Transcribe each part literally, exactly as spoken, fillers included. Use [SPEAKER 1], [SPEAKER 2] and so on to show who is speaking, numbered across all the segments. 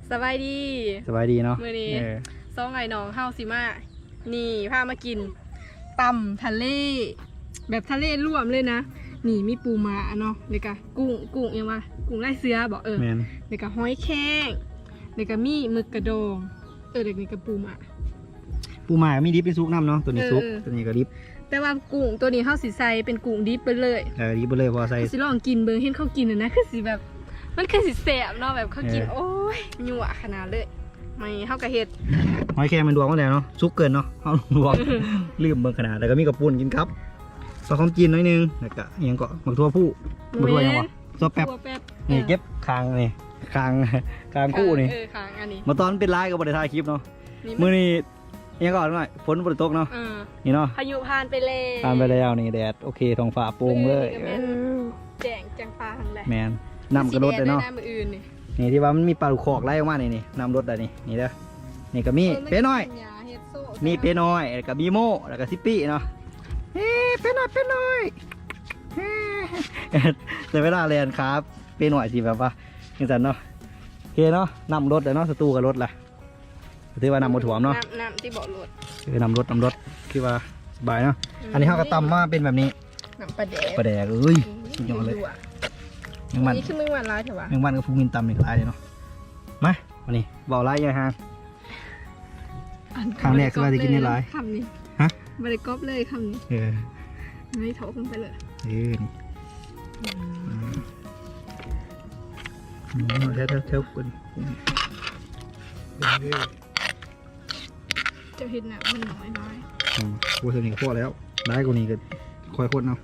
[SPEAKER 1] สบายดี
[SPEAKER 2] สบายดีเนาะ
[SPEAKER 1] มื้อนี้ซองไอ้น้องเฮาสิมานี่พามากินตำทะเลแบบทะเลรวมเลยนะนี่มีปูม้าเนาะแล้วก็กุ้งกุ้งยังว่ากุ้งลายเสือบอกเออแล้วก็หอยแครงแล้วก็มีหมึกกระดองเออเด็กนี่ก็ปูม้า
[SPEAKER 2] ปูม้ามีดิบเป็นซุกน้ำเนาะตัวนี้ซุกตัวนี้ก็ดิบ
[SPEAKER 1] แต่ว่ากุ้งตัวนี้เฮาสิใส่เป็นกุ้งดิบไปเลย
[SPEAKER 2] เออดิบไปเลยพอใส่
[SPEAKER 1] สิลองกินเบิ่งเห็นเขากินน่ะนะคือสิแบบมันคือสิแซ่บเนาะแบบเขากินโอ้ยยั่วขนาดเลยไม่เฮากะเฮ็ด
[SPEAKER 2] หอยแครงมันดวงมาแล้วเนาะซุกเกินเนาะเฮาดวงลืมเบิ่งขนาดแล้วก็มีกระปุนกินครับซอสหอมจีนน้อยนึงแล้วก็อีหยังก็บักทั่วผู้บักทั่วยังวะซอสแป๊บนี่เก็บคางนี่คางคางคู่นี่
[SPEAKER 1] เออคางอันนี้
[SPEAKER 2] มาตอนเป็นไลฟ์ก็บ่ได้ถ่ายคลิปเนาะมื้อนี้ยังก่อนหน่อยฝนบ่ได้ตกเนาะนี่เนาะ
[SPEAKER 1] พายุผ่านไปแล้ว
[SPEAKER 2] ผ่านไปแล้วนี่แดดโอเคท้องฟ้าโปร่งเลย
[SPEAKER 1] แจ้งแจ้งฟ้าทั้งแหละ
[SPEAKER 2] แม่นน้ำกระโดดเลยเนาะนี่ที่ว่ามันมีปลาลูกคอกไล่ออกมานี่นี่น้ำรถได้นี่นี่เด้อนี่ก็มีเป๊ะน้อยมีเป๊ะน้อยแล้วก็มีโม่แล้วก็ซิปปี้เนาะเฮ้เป๊ะน้อยเป๊ะน้อยแต่เวลาเรียนครับเป๊ะน้อยสิแบบว่าอย่างนั้นเนาะโอเคเนาะนำรถเลยเนาะสตูกับรถล่ะถือว่านำมาถ่วมเนาะ
[SPEAKER 1] น้ำที่เบาะรถ
[SPEAKER 2] คือนำรถนำรถคือว่าสบายเนาะอันนี้เขาก็ตำมาเป็นแบบนี้
[SPEAKER 1] น้ำปลาแดก
[SPEAKER 2] ปลาแดกเอ้ยสุดยอดเลย
[SPEAKER 1] ยังมันนี่คือมึงวันร้ายเถอะวะ
[SPEAKER 2] ยังมันก็พูมินตำอีกร้ายเลยเนาะมาวันนี้เบาร้ายยังฮะครั้งแรกคือว่าจะกินในร้าย
[SPEAKER 1] คำนี้
[SPEAKER 2] ฮะ
[SPEAKER 1] บริกรอบเลยคำนี้
[SPEAKER 2] เออ
[SPEAKER 1] ไม่โถขึ้นไปเลย
[SPEAKER 2] เออนี่เท่าเท่าเท่ากัน
[SPEAKER 1] จะเห็นหนักมันน้อยน้อย
[SPEAKER 2] อ๋อกูสนิทกับพ่อแล้วได้กูนี่ก็คอยคนเอา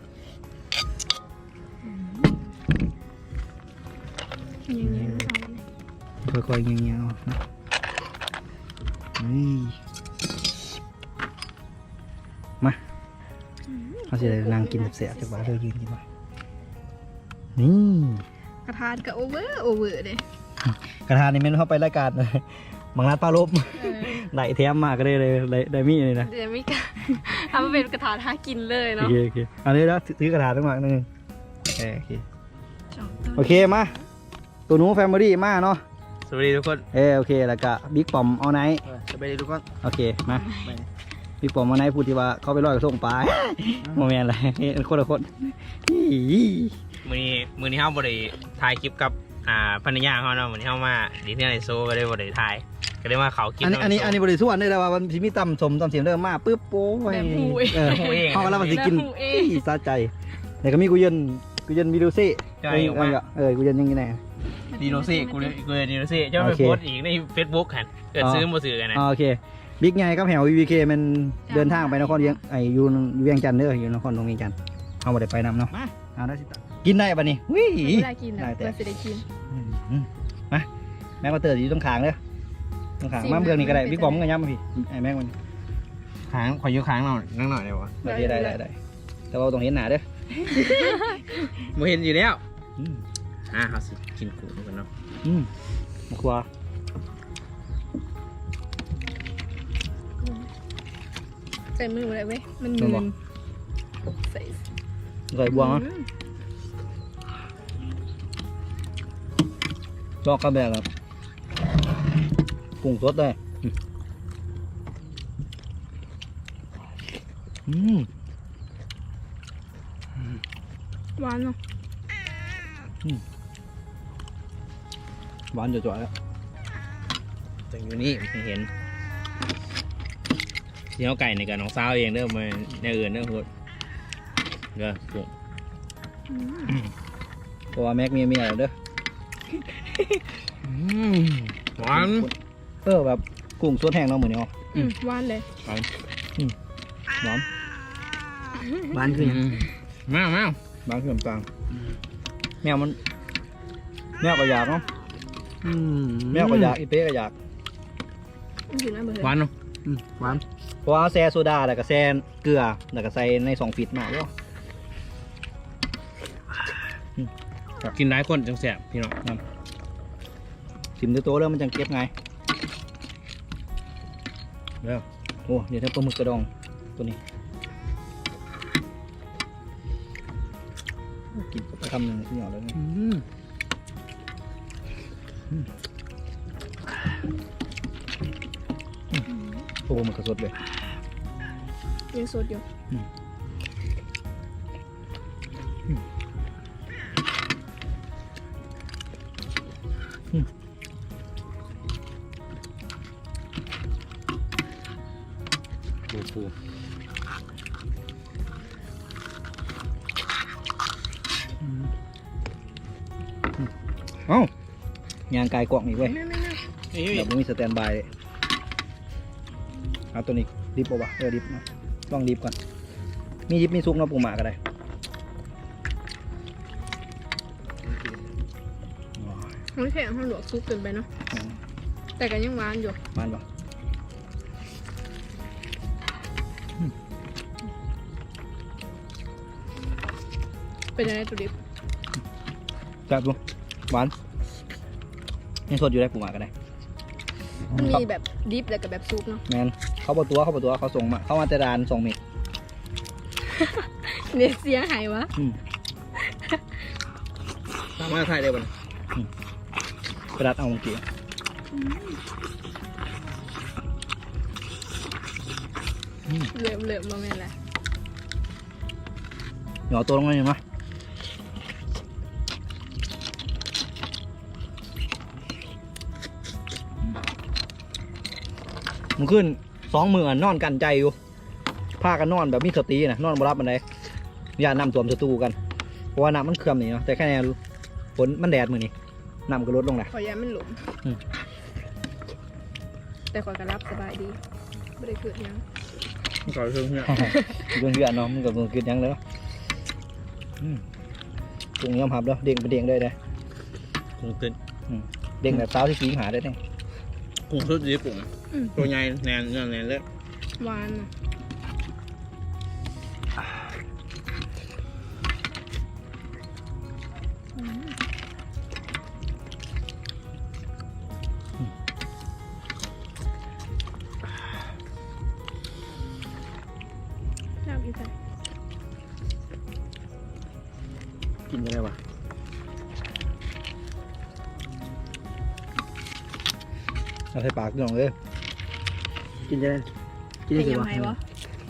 [SPEAKER 2] ค่อยๆเงี้ยๆนะนี่มาเขาจะนั่งกินเสียจากบ้านเธอยืนกินมานี่
[SPEAKER 1] กระทานกับโอเวอร์โอเวอร์เลย
[SPEAKER 2] กระทานนี่มันเข้าไปรายการเลยบางร้านปลาลบได้แถมมาก็ได้เลยได้มีเลยนะ
[SPEAKER 1] เดี๋ยวไม่กล้าทำมาเป็นกระทานหากินเลยเนาะ
[SPEAKER 2] โอเคโอเคอันนี้แล้วถือกระทานตั้งหลักนึงโอเคโอเคโอเคมาตัวนู้แฟมิลี่มาเนาะ
[SPEAKER 3] สวัสดีทุกคน
[SPEAKER 2] เออโอเคแล้วก็บิ๊กปอมเอาไนท์
[SPEAKER 3] สวัสดีทุกคน
[SPEAKER 2] โอเคมาบิ๊กปอมเอาไนท์พูดที่ว่าเขาไปลอยกระทงปลาโมเมนต์อะไรคนละคน
[SPEAKER 3] มือนี้มือนี้เฮาบริถ่ายคลิปกับอ่าภรรยาเขาเนาะมือนี้เฮามาดีที่ไหนโซก็ได้บริถ่ายก็ได้มาเขากิน
[SPEAKER 2] อันนี้อันนี้อันนี้บริสุทธิ์ได้แล้วว่ามันมีตำสมตำเสียงเริ่มมาปึ๊บโป้ยเออเขาแล้วมันจะกินซาใจแต่ก็มีกุยนกุยนมิดูซี่เออกุยนยังไงแน่
[SPEAKER 3] ดีโนซี่กูกูดีโนซี่เจ้าไปโพสอีกในเฟซบุ๊กกันเกิดซื้อมาซื้อกันนะ
[SPEAKER 2] โอเคบิ๊กไงกับแหววีวีเคมันเดินทางไปนครเวียงไออยู่เวียงจันทร์เด้ออยู่นครตรงเวียงจันทร์เอาไปไปนำเนาะเอาได้สิตากินได้ปะนี่วิ่ง
[SPEAKER 1] ได้กินได้แต่ได้กิน
[SPEAKER 2] มาแม็กมาเตอร์อยู่ตรงขางเด้อตรงขางมาเบืองนี่ก็ได้บิ๊กบอมก็ย้ำมาพี่ไอแม็กมัน
[SPEAKER 3] ขางขอยุขางหน่อยนั่งหน่อยเดี๋ยววะ
[SPEAKER 2] ได้ได้ได้ได้แต่ว่าตรงเห็นหนาเด้อ
[SPEAKER 3] โมเห็นอยู่แล้วอ่าเขาสิกินกุ้งกันเนาะ
[SPEAKER 2] อืมมาครัว
[SPEAKER 1] ใส่มืออะไรเว้ยมันมืนใส่
[SPEAKER 2] ใส่บวงอ่ะลอกกระแบกครับกุ้งสดได้อืม
[SPEAKER 1] หวานเนาะ
[SPEAKER 2] หวานจ่อยๆแล้ว
[SPEAKER 3] แต่อยู่นี่ไม่เห็นที่เขาไก่ในกับน้องสาวเองเด้อมาในอื่นเด้อพูดเด้อกุ้ง
[SPEAKER 2] เพราะว่าแม็กมีเมียแล้วเด้อ
[SPEAKER 3] หวาน
[SPEAKER 2] เออแบบกุ้งสดแห้งเนาะเหมือนเนาะ
[SPEAKER 1] หวานเลย
[SPEAKER 2] หวานหวานหวานคือ
[SPEAKER 3] แมวแมว
[SPEAKER 2] หวานคือน้ำตาลแมวมันแมวก็อยากเนาะแมวก็อยากอีเป๊ก็อยาก
[SPEAKER 3] หวานเนาะ
[SPEAKER 2] หวานเพราะว่าแซ่โซดาแล้วก็แซ่เกลือแล้วก็ใส่ในสองฟิตมาเนาะ
[SPEAKER 3] กินหลายคนจังแสบพี่น้อง
[SPEAKER 2] ชิมตัวโตแล้วมันจังเก็บไงแล้วโอ้เดี๋ยวถ้าปลาหมึกกระดองตัวนี้กินไปคำหนึ่งที่หยอดแล้วเนี่ยโอ้มันกระสดเลย
[SPEAKER 1] ยังสดอยู่
[SPEAKER 2] ปูปูเอ้ายางกายกล่องอีกเว้ย
[SPEAKER 1] ไม่ไม่ไม่
[SPEAKER 3] นี่
[SPEAKER 2] แบบไม่มีสแตนบายเลยเอาตัวนี้ดิบป่าวะเออดิบนะลองดิบก่อนมีดิบมีซุกเนาะปูหมาก็ได้
[SPEAKER 1] ไม่แข็งห้องหลวกซุปเกินไปเนาะแต่ก็ยังหวานอยู่
[SPEAKER 2] มันปะ
[SPEAKER 1] เป็นยังไงตัวดิบ
[SPEAKER 2] จับดูหวานยังสดอยู่ได้ปูหมาก็ได้
[SPEAKER 1] มันมีแบบดิบแล้วกับแบบซุปเนาะ
[SPEAKER 2] แมนเขาบอกตัวเขาบอกตัวเขาส่งมาเขามาจะดานส่งเมก
[SPEAKER 1] เนี่ยเสียหายวะ
[SPEAKER 2] อืม
[SPEAKER 3] สามารถถ่ายได้บ่เนี่ย
[SPEAKER 2] กระดาษเอาเมื่อกี้
[SPEAKER 1] เหลือมเหลือมมาแม่นแหละ
[SPEAKER 2] หย่อตัวลงมาหน่อยมั้ยมันขึ้นสองมือนอนกันใจอยู่พากันนอนแบบมีสตินะนอนบรับมันได้อย่านำตัวมสตูกันเพราะว่าน้ำมันเคื่อมนี่เนาะแต่แค่นี้ฝนมันแดดมือนี่น้ำก็ลดลงแหละ
[SPEAKER 1] ขอยามันหลุม
[SPEAKER 2] อืม
[SPEAKER 1] แต่ขอยกระรับสบายดีไม่ได้เกิดหยัง
[SPEAKER 3] ก่อนเพิ่งเนี่ย
[SPEAKER 2] เรื่องเพื่อนเนาะมันกับมันกินยังเลยเนาะอืมปรุงยอมหับแล้วเด้งไปเด้งได้เลย
[SPEAKER 3] กุ้งตึ้น
[SPEAKER 2] เด้งแบบสาวที่สีหาได้เนี่ย
[SPEAKER 3] กุ้งสดดีกุ้ง
[SPEAKER 1] อืม
[SPEAKER 3] ตัวใหญ่แน่นเนื้อแน่นเลย
[SPEAKER 1] หวานอะอืมน้ำอีกแล้ว
[SPEAKER 2] กินยังไงวะเอาใส่ปากน้องเลยกินยังไงกิน
[SPEAKER 1] เป็น
[SPEAKER 2] ยัง
[SPEAKER 1] ยัง
[SPEAKER 2] ไง
[SPEAKER 1] ไง
[SPEAKER 2] วะ
[SPEAKER 1] วะ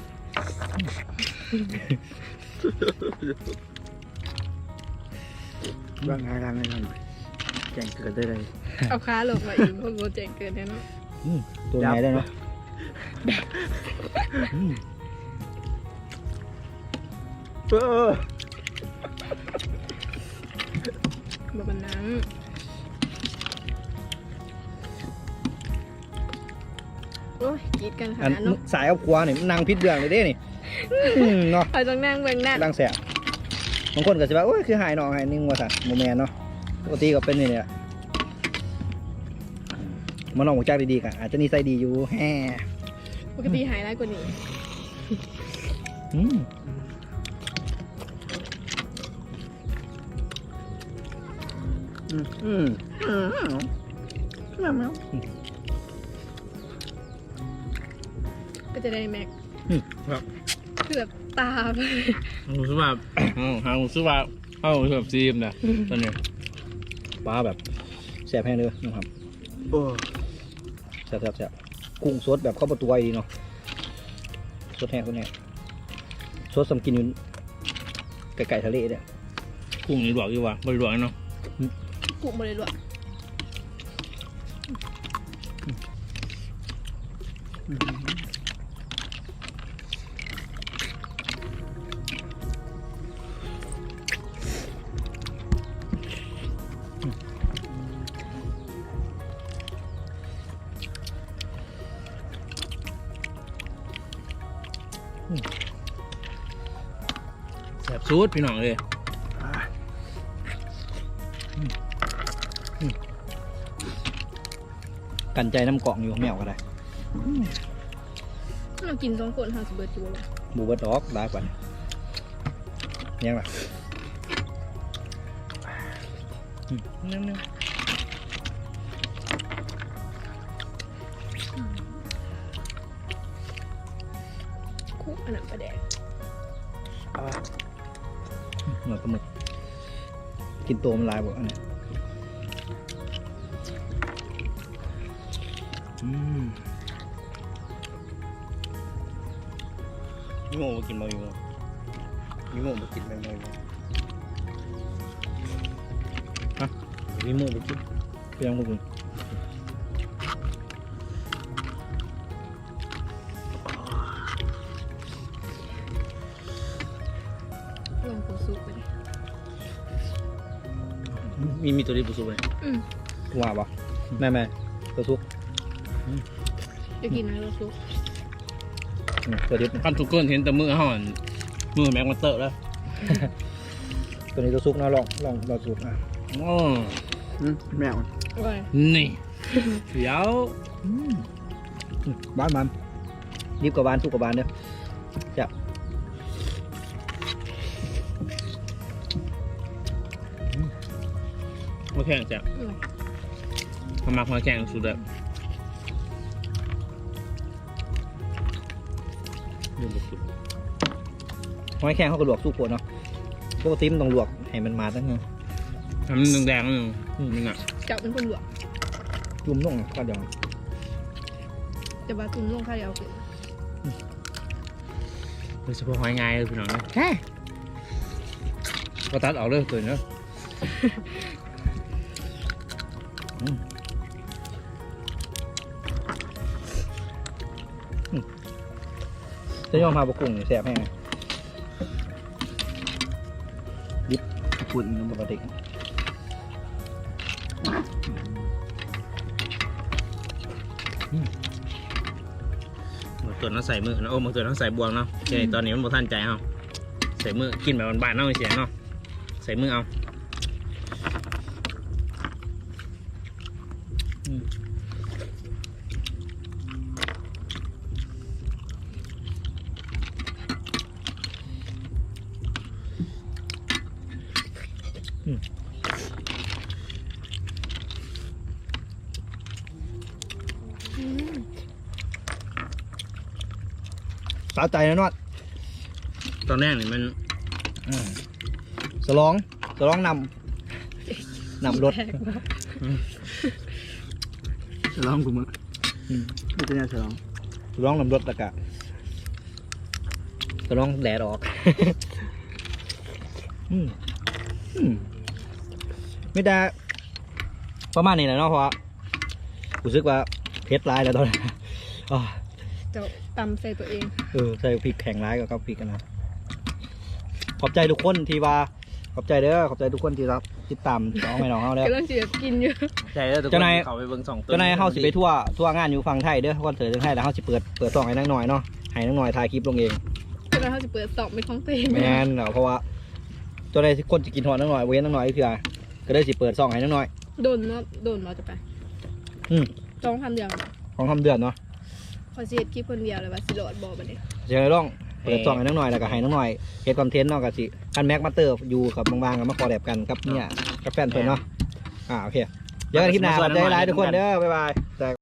[SPEAKER 2] ร่างกายทำให้ทำแจ้งเกิดได้เลย
[SPEAKER 1] เอาขาลงมาอีกพวกโปรเจกต์เกินแน่เนอน
[SPEAKER 2] ตัวไหนได้เนาะอืม
[SPEAKER 3] เออ
[SPEAKER 1] แบบนั้นโอ้ยกรีดกันข
[SPEAKER 2] อัน
[SPEAKER 1] นาดเนาะ
[SPEAKER 2] สายเอาครัวนี่มันนางพิษเรื่องเลยเด้นี่อืมเนาะ
[SPEAKER 1] ไปต้องนั่งเบิ่งหน้า
[SPEAKER 2] ร่างแสบบางคนก็จะว่าโอ้ยคือหายหนองหายนิ่งว่าสันโมแมนเนาะปกติก็เป็นนี่แหละมันลองหัวใจดีๆกันอาจจะนิสัยดีอยู่แฮ่
[SPEAKER 1] ปกติหายร้ายกว่านี้
[SPEAKER 2] อืม
[SPEAKER 3] อืมอืม
[SPEAKER 1] ก็จะได้แม็ก
[SPEAKER 3] ครับ
[SPEAKER 1] คือแบบตาไป
[SPEAKER 3] รู้สึกว่าหารู้สึกว่าเข้าแบบซีมนะตอนนี้
[SPEAKER 2] ปลาแบบแสบแห้งเลยนะครับ
[SPEAKER 3] โอ้
[SPEAKER 2] แสบแสบแสบกุ้งสดแบบเข้าประตูไว้ดีเนาะสดแห้งสดแห้งสดสำกินอยู่ไก่ไก่ทะเลเนี่ย
[SPEAKER 3] กุ้งนี่หลวกอยู่ว่ะบริหลวกเนาะ
[SPEAKER 1] กุบเลยด้วย
[SPEAKER 3] แสบซูดพี่น้องเลย
[SPEAKER 2] กันใจน้ำกล่องอยู่แมวก็ได้
[SPEAKER 1] เรากินสองคนห้าสิบเบิร์ดจูเลย
[SPEAKER 2] บูเบอร์ดอกได้กว่านี้ยังไง
[SPEAKER 3] นั่น
[SPEAKER 1] คุกอันนั้นประแดก
[SPEAKER 2] หน่อยปลาหมึกกินตัวมันลายบ่อันนี้อืมมีโม่กินบ่มีโม่มีโม่บ่กินแม่บ่ฮะมีโม่บ่กินเปียงบ่กิน
[SPEAKER 1] ลงปูซุปไปเลย
[SPEAKER 2] มีมีตัวนี้บุสุเลย
[SPEAKER 1] อืม
[SPEAKER 2] ว่าปะแม่แม่ตัวซุก
[SPEAKER 1] จะกินอะไรปูซุป
[SPEAKER 2] อืมตัวนี้
[SPEAKER 3] ขั้นทุกคนเห็นแต่มือห่อนมือแม็กมาเตอร์แล้ว
[SPEAKER 2] ตัวนี้ตัวซุกนะลองลองลองซุกอ่ะ
[SPEAKER 3] โอ้
[SPEAKER 2] แมว
[SPEAKER 1] โอ้ย
[SPEAKER 3] นี่เดี๋ยว
[SPEAKER 2] บ้านมันรีบกับบ้านซุกกับบ้านเด้อจะ
[SPEAKER 3] มาแข่งจ้ะ
[SPEAKER 1] อืม
[SPEAKER 3] มามามาแข่งสุดแบบ
[SPEAKER 2] ยืนสุดหอยแข็งเขาก็ลวกซุกปวดเนาะปกติมันต้องลวกให้มันมาตั้งนึง
[SPEAKER 3] ทำมันแดงๆนึงนึงอ่ะ
[SPEAKER 1] จับเป็นคนหลวง
[SPEAKER 2] จุ่มลงก็เดี๋ยว
[SPEAKER 1] จะบาตุนลงข้าวเดียวคือ
[SPEAKER 3] โดยเฉพาะหอยง่ายเลยพี่น้องนะแฮ่ก็ตัดออกเลยตัวเนาะ
[SPEAKER 2] จะยอมพาปลากุ้งแสบแห้งดิบปุ่นปกติ
[SPEAKER 3] บางตัวน้องใส่มือนะโอ้บางตัวน้องใส่บวงเนาะใช่ตอนนี้มันบ่ทันใจเฮาใส่มือกินแบบบ้านๆเนาะเสียเนาะใส่มือเอา
[SPEAKER 1] อืม
[SPEAKER 2] สาใจนะนอด
[SPEAKER 3] ตอนแรกนี่มัน
[SPEAKER 2] สลองสลองนำนำรถ
[SPEAKER 1] แปลกว่ะ
[SPEAKER 2] สลองกูมึงไม่ใช่สลองสลองนำรถตะกะสลองแดดออก อืมอืมไม่ได้ประมาณนี้แหละเนาะเพราะว่ารู้สึกว่าเผ็ดร้ายแล้วตอนนี้ อ๋อ
[SPEAKER 1] เจ้าตำใส่ตัวเอง
[SPEAKER 2] เออใส่พริกแข็งร้ายกับข้าวพริกกันนะขอบใจทุกคนที่ว่าขอบใจเด้อขอบใจทุกคนที่รับติดตามน้องไม่น้องเฮาแล้ว
[SPEAKER 1] กำลังจะกินอยู่
[SPEAKER 3] ใจแล้วทุกค
[SPEAKER 2] เจ้านาย
[SPEAKER 3] เขาไปเบิ่งสองตัว
[SPEAKER 2] เจ้านายเฮาสิไปทั่วทั่วงานอยู่ฝั่งไทยเด้อคอนเสิร์ตทางไทยแล้วเฮาสิเปิดเปิดซองให้นักหน่อยเนาะให้นักหน่อยถ่ายคลิปลงเอง
[SPEAKER 1] ก็เลยเขาจะเปิดสอบเป็นของตัวเอง
[SPEAKER 2] แม่นเนาะเพราะว่าเจ้านายคนจะกินหอดนักหน่อยเว้นนักหน่อยเพื่อก็ได้สิเปิดซองให้นักหน่อย
[SPEAKER 1] โดนเนาะโดนเราจะไป
[SPEAKER 2] อืม
[SPEAKER 1] จ้องทำเดียว
[SPEAKER 2] ของทำเดือนเนาะ
[SPEAKER 1] พอเสียคลิปคนเดียวเลยว่าสิโหลดบอบันนี้
[SPEAKER 2] เจะต้องเปิดซองให้นักหน่อยแล้วก็ให้นักหน่อยเฮ็ดคอนเทนต์เนาะก็สิคันแม็กมาเตอร์อยู่กับบางๆก็มาคอแลบกันกับเนี่ยกับแฟนเพิ่นเนาะอ่าโอเคเจอกันคลิปหน้าขอบใจหลายทุกคนเด้อบ๊ายบาย